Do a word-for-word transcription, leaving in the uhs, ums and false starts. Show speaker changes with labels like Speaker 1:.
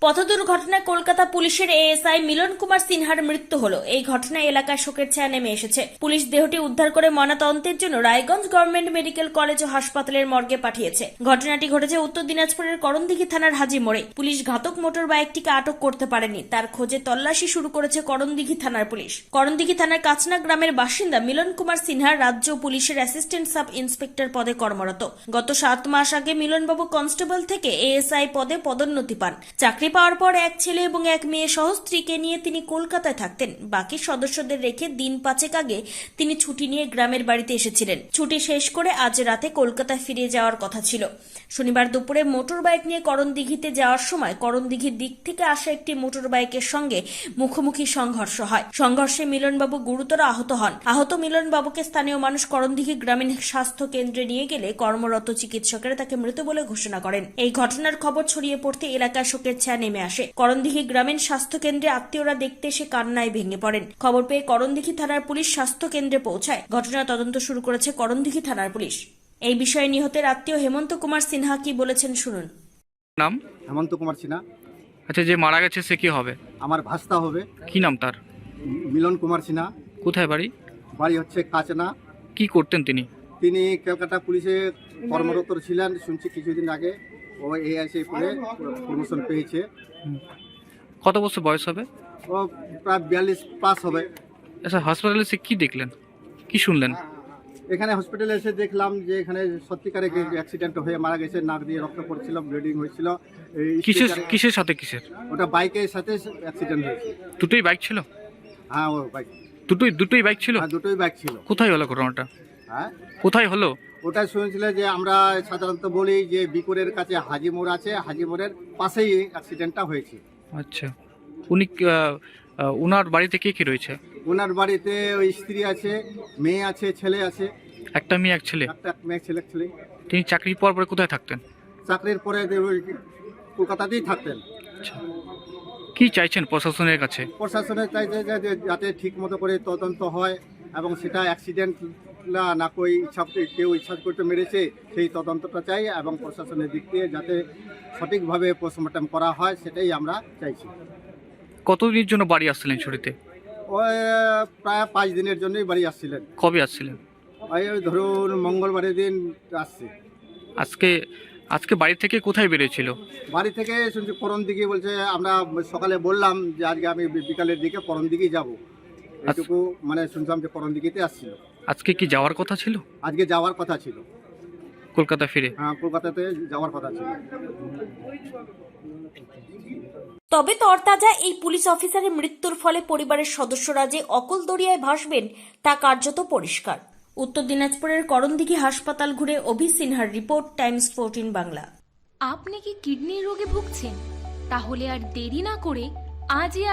Speaker 1: পথ দুর্ঘটনায় কলকাতা পুলিশের এএসআই মিলন কুমার সিনহার মৃত্যু হলো। এই ঘটনায় এলাকায় শোকের ছায়া নেমে এসেছে। পুলিশ দেহটি উদ্ধার করে ময়নাতদন্তের জন্য রায়গঞ্জ গভর্নমেন্ট মেডিকেল কলেজ ও হাসপাতালের মর্গে পাঠিয়েছে। ঘটনাটি ঘটেছে উত্তর দিনাজপুরের করণদিঘি থানার হাজি মোড়ে। পুলিশ ঘাতক মোটর বাইকটিকে আটক করতে পারেনি, তার খোঁজে তল্লাশি শুরু করেছে করণদিঘি থানার পুলিশ। করণদিঘি থানার কাচনা গ্রামের বাসিন্দা মিলন কুমার সিনহা রাজ্য পুলিশের অ্যাসিস্ট্যান্ট সাব ইন্সপেক্টর পদে কর্মরত। গত সাত মাস আগে মিলনবাবু কনস্টেবল থেকে এএসআই পদে পদোন্নতি পান। চাকরি পাওয়ার পর এক ছেলে এবং এক মেয়ে সহ স্ত্রীকে নিয়ে তিনি কলকাতায় থাকতেন। বাকি সদস্যদের রেখে দিন পাঁচেক আগে তিনি ছুটি নিয়ে গ্রামের বাড়িতে এসেছিলেন। ছুটি শেষ করে আজ রাতে কলকাতায় ফিরে যাওয়ার কথা ছিল। শনিবার দুপুরে মোটর বাইক নিয়ে করণদিঘিতে যাওয়ার সময় করণদিঘির দিক থেকে আসা একটি মোটর বাইকের সঙ্গে মুখোমুখি সংঘর্ষ হয়। সংঘর্ষে মিলনবাবু গুরুতর আহত হন। আহত মিলনবাবুকে স্থানীয় মানুষ করণদিঘি গ্রামীণ স্বাস্থ্য কেন্দ্রে নিয়ে গেলে কর্মরত চিকিৎসকেরা তাকে মৃত বলে ঘোষণা করেন। এই ঘটনার খবর ছড়িয়ে পড়তে এলাকায় শোকের ছায়া নেমে আসে। করণদিঘি গ্রামীণ স্বাস্থ্য কেন্দ্রে আত্মীয়রা দেখতে এসে কান্নায় ভেঙে পড়েন। খবর পেয়ে করণদিঘি থানার পুলিশ স্বাস্থ্য কেন্দ্রে পৌঁছায়। ঘটনার তদন্ত শুরু করেছে করণদিঘি থানার পুলিশ। এই বিষয়ে নিহতের আত্মীয় হেমন্ত কুমার সিনহা কি বলেছেন শুনুন।
Speaker 2: নাম?
Speaker 3: হেমন্ত কুমার সিনহা।
Speaker 2: আচ্ছা, যে মারা গেছে সে কি হবে?
Speaker 3: আমার ভাস্তা হবে।
Speaker 2: কি নাম তার?
Speaker 3: মিলন কুমার সিনহা।
Speaker 2: কোথায় বাড়ি?
Speaker 3: বাড়ি হচ্ছে কাচনা।
Speaker 2: কি করতেন তিনি?
Speaker 3: তিনি কলকাতা পুলিশে কর্মরত ছিলেন, শুনছি কিছুদিন আগে ও এআইসি করে প্রমোশন পেয়েছে।
Speaker 2: কত বছর বয়স হবে?
Speaker 3: ও প্রায় বিয়াল্লিশ প্লাস হবে।
Speaker 2: আচ্ছা, হাসপাতালে সে কি দেখলেন, কি শুনলেন?
Speaker 3: এখানে হসপিটালে এসে দেখলাম যে এখানে সত্যিকারে অ্যাক্সিডেন্ট হয়ে মারা গেছে। নাক দিয়ে রক্ত পড়ছিল, ব্লিডিং হয়েছিল।
Speaker 2: কিসের কিসের সাথে কিসের?
Speaker 3: ওটা বাইকের সাথে অ্যাক্সিডেন্ট হয়েছে।
Speaker 2: দুটোই বাইক ছিল?
Speaker 3: হ্যাঁ, ও বাইক
Speaker 2: দুটোই দুটোই বাইক ছিল?
Speaker 3: হ্যাঁ, দুটোই বাইক ছিল।
Speaker 2: কোথায় হলো ঘটনাটা?
Speaker 3: হ্যাঁ,
Speaker 2: কোথায় হলো?
Speaker 3: ওটা শুনেছিল যে আমরা সাধারণত বলি যে বিকুরের কাছে হাজি মোড় আছে, হাজি মোড়ের পাশেই অ্যাক্সিডেন্টটা হয়েছে।
Speaker 2: আচ্ছা, উনি আহ, আহ, ওনার বাড়িতে কে কে রয়েছে?
Speaker 3: ওনার বাড়িতে ওই স্ত্রী আছে, মেয়ে আছে, ছেলে আছে।
Speaker 2: একটা মেয়ে এক ছেলে?
Speaker 3: একটা মেয়ে ছেলে ছেলে।
Speaker 2: তিনি চাকরি পাওয়ার পরে কোথায় থাকতেন?
Speaker 3: চাকরির পরে ওই কলকাতাতেই থাকতেন।
Speaker 2: আচ্ছা, কি চাইছেন প্রশাসনের কাছে?
Speaker 3: প্রশাসনের চাইছে যে যাতে ঠিক মতো করে তদন্ত হয় এবং সেটা অ্যাক্সিডেন্ট না না কই ইচ্ছা কেউ ইচ্ছা করতে মেরেছে সেই তদন্তটা চাই এবং প্রশাসনের দিক থেকে যাতে সঠিকভাবে পোস্টমর্টম করা হয় সেটাই আমরা চাইছি।
Speaker 2: কতদিনের জন্য বাড়ি আসছিলেন ছুটিতে?
Speaker 3: ওই প্রায় পাঁচ দিনের জন্যই বাড়ি আসছিলেন।
Speaker 2: কবে আসছিলেন?
Speaker 3: ওই ধরুন মঙ্গলবারের দিন আসছে।
Speaker 2: আজকে আজকে বাড়ি থেকে কোথায় বেরিয়েছিল?
Speaker 3: বাড়ি থেকে শুনছি করণদিঘি বলছে। আমরা সকালে বললাম যে আজকে আমি বিকালের দিকে করণদিঘি যাব, এটুকু মানে শুনছিলাম যে করণদিঘিতে আসছিল।
Speaker 2: আজকে কি যাওয়ার কথা ছিল?
Speaker 3: আজকে যাওয়ার কথা ছিল
Speaker 2: কলকাতা ফিরে।
Speaker 3: হ্যাঁ, কলকাতাতে যাওয়ার কথা ছিল।
Speaker 1: তবে তরতাজা এই পুলিশ অফিসারের মৃত্যুর ফলে পরিবারের সদস্যরা যে অকল দরিয়ায় ভাসবেন তা কার্যত পরিষ্কার। উত্তর দিনাজপুরের করণদিঘি হাসপাতাল ঘুরে অভি সিনহার রিপোর্ট, টাইমস ফোরটিন বাংলা।
Speaker 4: আপনি কি কিডনি রোগে ভুগছেন? তাহলে আর দেরি না করে আজই